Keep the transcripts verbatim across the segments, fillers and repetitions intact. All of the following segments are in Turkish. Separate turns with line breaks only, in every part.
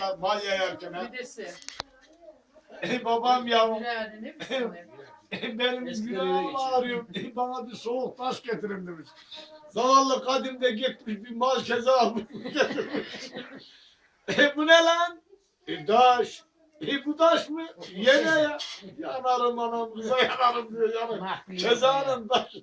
yana mal yayarken ha.
Midesi.
Ey babam yavrum.
Bilal'in hepsini.
Benim günahım ağrıyor. Bana bir soğuk taş getirin demiş. Zavallı Kadim de gitmiş bir mal keze almış getirmiş. E bu ne lan? E taş. E bu taş mı? Yine ya. Yanarım anam kıza yanarım diyor yanarım. Kezanın taşı.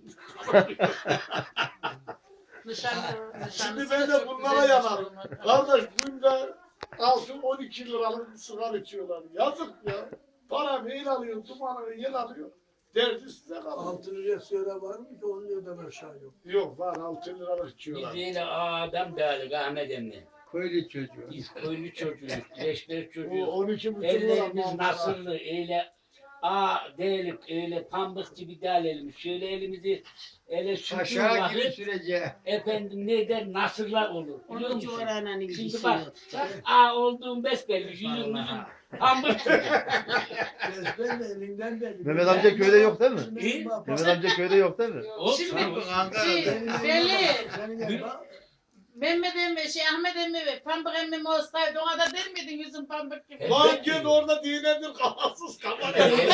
Şimdi ben de bunlara yanarım. Kardeş bunda altı on iki liralık sigara içiyorlar. Yazık ya. Para mail alıyor, dumanını yel alıyor. Derdi size kalıyor.
Altı liraya söyle var mı ki on liradan aşağı yok.
Yok var altı liralık içiyorlar.
Biz yine adam değerli Ahmet emmi.
Köylü çocuğu.
Biz köylü çocuğuyuz, leşber
Bu
çocuğuyuz.
on iki buçuk lira.
Ellerimiz
mal var.
nasırlı, öyle a değilim, öyle pambık gibi değil elimiz. Şöyle elimizi ele sürdüğün
Aşağı gibi
vakit
sürece.
efendim ne der nasırlar olur. Biliyor
Onun
musun?
civarına
Şimdi
ilgisi
bak,
yok.
bak a olduğum besbelli, yüzüm yüzüm pambık gibi.
Besbelli elinden belli.
Mehmet amca köyde yok değil mi?
İyi.
Mehmet amca köyde yok değil mi?
Olsun.
Şimdi
Ankara'da.
şey, belli.
Senin yanında bak.
Mehmet emmi, şey Ahmet emmi ve Pambık emmim olsaydı ona da der miydin yüzün pambık gibi?
Lan git orada dinedir kafasız kafa.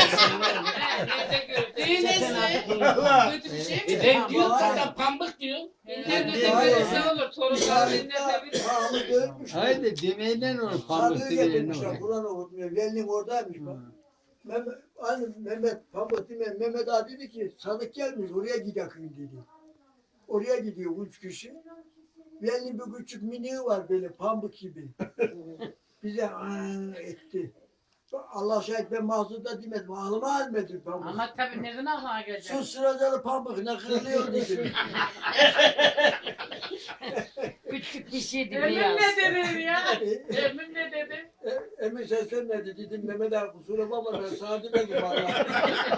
Düğünesi.
Allah.
Kötü bir şey
E
mi?
ben diyorum sana pambık diyor.
İnternette
Hayır.
görürse olur. Torunlar dinletebilir.
Pahalı dönmüş.
Haydi demeyinden olur pamuk
Sarığı
dibilerine
getirmişler.
olur.
Kur'an okutmuyor. Velinin oradaymış bak. Mehmet, aynı Mehmet Pamuk değil mi? Mehmet ağa dedi ki sadık gelmiş oraya gidelim dedi. Oraya gidiyor üç kişi. Velinin bir küçük miniği var böyle pamuk gibi. Bize aa etti. Allah şahit ben mahzurda demedim. Ağlıma almadı pamuk.
Ama tabii nereden aklına gelecek?
Şu sıracalı pamuk ne kırılıyor dedim.
Küçük bir şeydi
Emin
beyaz.
ne dedi ya?
E,
Emin ne dedi?
e, Emin seslenmedi dedim Mehmet ağa kusura bakma ben sana demedim valla.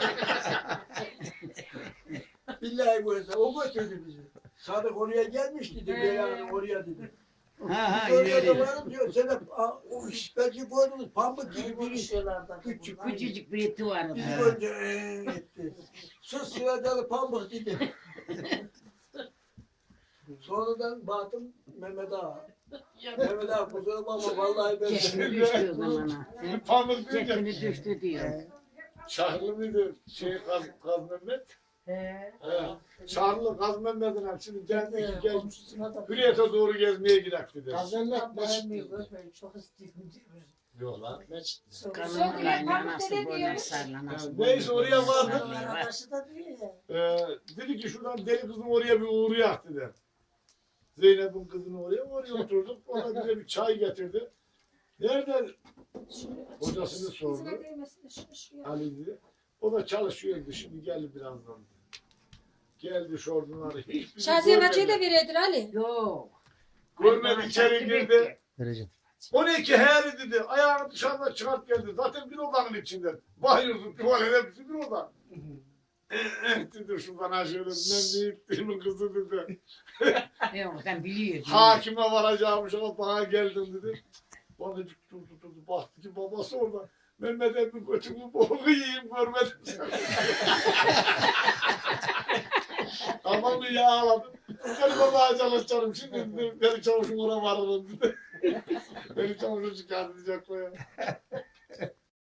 Billahi bu hesap o götürdü bizi. Sadık oraya gelmiş dedi
He.
Beyhan'ın oraya dedi.
Ha ha
Sonra da
ileri.
varım diyor sen de a, o iş belki gördünüz pamuk gibi biri. Küçük küçük.
Küçücük bir eti vardı.
Bizi önce eee etti. Sus sıracalı pamuk dedi. Sonradan baktım Mehmet ağa. Mehmet ağa kusura bakma vallahi ben
Cekini düştü o zamana.
Pamuk deyince
Cekini düştü diyor.
Şahlı mıydı şey Kaz, Kaz Mehmet?
He.
He. Şahlı Kaz Mehmet'in hep şimdi geldi gel Hürriyet'e doğru gezmeye gidelim dedi.
Kazanmak meşhur.
Yok lan.
Kanın kaynanası böyle sarlanası.
Yani neyse oraya vardık.
Sarlanası.
Ee, dedi ki şuradan deli kızım oraya bir uğrayak dedi. Zeynep'in kızını oraya oraya oturduk. Ona bize bir çay getirdi. Nereden? Hocasını sordu. Ali dedi. O da çalışıyordu şimdi geldi birazdan. Geldi şorduları. Hiçbirini
Şaziye Hacı'yı da
görmedi.
veredir Ali.
Yok.
Görmedi içeri girdi.
Vereceğim.
on iki heri dedi. Ayağını dışarıda çıkart geldi. Zaten bir odanın içinde. Bayıldı tuvalet hepsi bir oda. Eh dedi şuradan aşağıdan ben deyip demin kızı dedi.
Yok sen biliyor.
Hakime varacağımış ama bana geldin dedi. Bana durdu durdu baktı ki babası orada. Mehmet emmi götümü boğulu yiyeyim görmedim seni. Tamam mı ya ağladım. Seni babaya çalışacağım şimdi dedi. Beni çavuşum oraya varırım dedi. Beni çavuşum çıkartacak o ya.